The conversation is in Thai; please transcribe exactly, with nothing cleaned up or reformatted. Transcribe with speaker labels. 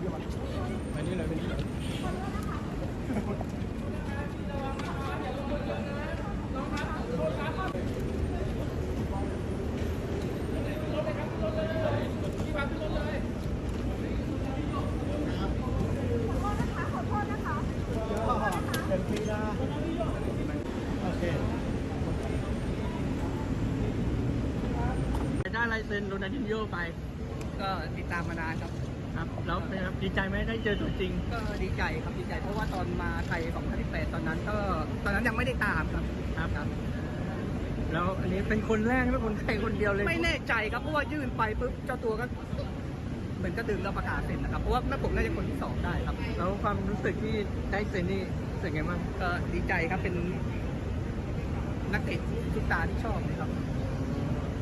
Speaker 1: ไปนี่เลยไปนี่เลยเป็นปีละโอเคได้ลายเซ็นโรนัลดินโญ่ไป
Speaker 2: ก็ติดตามมานานครับ
Speaker 1: ครับแล้วเป็นครับดีใจไหมได้เจอตัวจริง
Speaker 2: ก็ดีใจครับดีใจเพราะว่าตอนมาไทยสองพันสิบแปดตอนนั้นก็ตอนนั้นยังไม่ได้ตามครับ
Speaker 1: ครับครับแล้วอันนี้เป็นคนแรกไม่คนไทยคนเดียวเลย
Speaker 2: ไม่แน่ใจครับเพราะว่ายื่นไปปุ๊บเจ้าตัวก็เหมือนก็ดึงเราประกาศเซ็นนะครับเพราะว่าแม่ผมน่าจะคนที่สองได้ครับ
Speaker 1: แล้วความรู้สึกที่ได้เซ็นนี่รู้สึกไงบ้าง
Speaker 2: ก็ดีใจครับเป็นนักเตะทุกตาที่ชอบเลยครับ